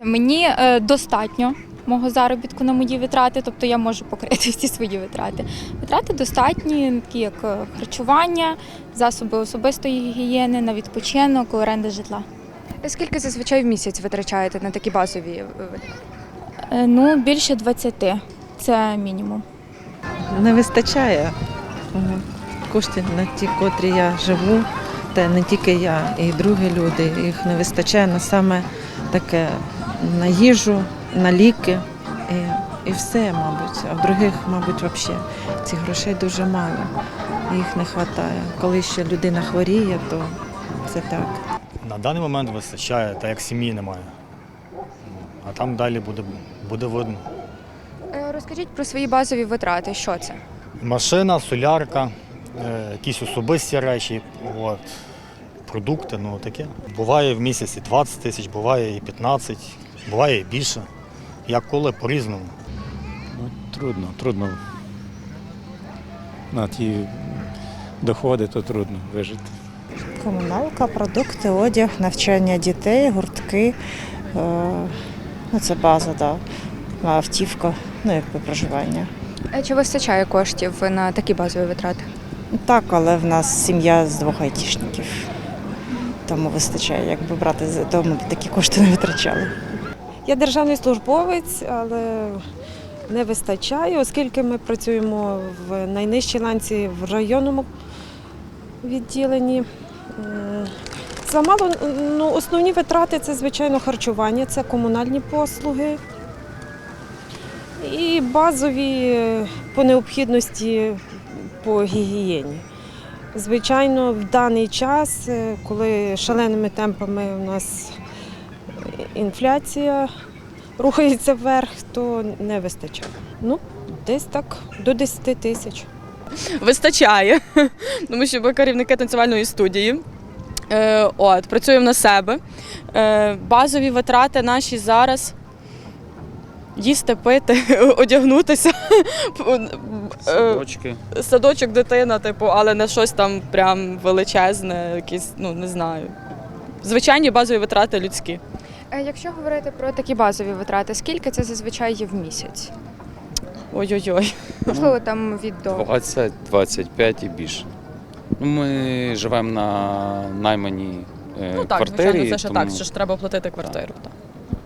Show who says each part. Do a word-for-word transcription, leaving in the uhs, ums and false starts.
Speaker 1: Мені е, достатньо мого заробітку на мої витрати, тобто я можу покрити всі свої витрати. Витрати достатні, такі як е, харчування, засоби особистої гігієни, на відпочинок, оренда житла.
Speaker 2: Скільки зазвичай в місяць витрачаєте на такі базові витрати?
Speaker 1: Е, ну, більше двадцяти – це мінімум.
Speaker 3: Не вистачає м, коштів на ті, котрі я живу, та не тільки я, і другі люди. Їх не вистачає на саме таке на їжу, на ліки і, і все, мабуть. А в других, мабуть, взагалі цих грошей дуже мало. Їх не вистачає. Коли ще людина хворіє, то це так.
Speaker 4: На даний момент вистачає, так як сім'ї немає. А там далі буде, буде видно.
Speaker 2: Е, Розкажіть про свої базові витрати. Що це?
Speaker 4: Машина, солярка, е, якісь особисті речі, от, продукти, ну таке. Буває в місяці двадцять тисяч, буває і п'ятнадцять, буває і більше. Як коли, по-різному.
Speaker 5: Ну, трудно, трудно. На ті доходи, то трудно вижити.
Speaker 6: Комуналка, продукти, одяг, навчання дітей, гуртки. Е, ну, це база, да. Автівка, ну, якби проживання.
Speaker 2: Е, Чи вистачає коштів на такі базові витрати?
Speaker 6: Так, але в нас сім'я з двох айтішників. Тому вистачає, якби брати з дому, такі кошти не витрачали.
Speaker 7: Я державний службовець, але не вистачає, оскільки ми працюємо в найнижчій ланці в районному відділенні. М, Замало, ну, основні витрати – це, звичайно, харчування, це комунальні послуги і базові е, по необхідності по гігієні. Звичайно, в даний час, е, коли шаленими темпами у нас інфляція рухається вверх, то не вистачає. Ну, десь так, до десяти тисяч.
Speaker 8: Вистачає, тому що ми керівники танцювальної студії. Е, от, працюємо на себе. Е, базові витрати наші зараз – їсти, пити, одягнутися.
Speaker 5: Садочки.
Speaker 8: Садочок, дитина, типу, але не щось там прям величезне, якісь, ну, не знаю. Звичайні базові витрати людські.
Speaker 2: Е, Якщо говорити про такі базові витрати, скільки це зазвичай є в місяць?
Speaker 8: Ой-ой-ой.
Speaker 2: Можливо, там від до.
Speaker 9: двадцять - двадцять п'ять і більше. Ну, ми живемо на найманій е,
Speaker 8: Ну так,
Speaker 9: квартирі.
Speaker 8: звичайно, це ще
Speaker 9: тому...
Speaker 8: так, що ж треба платити квартиру. Так.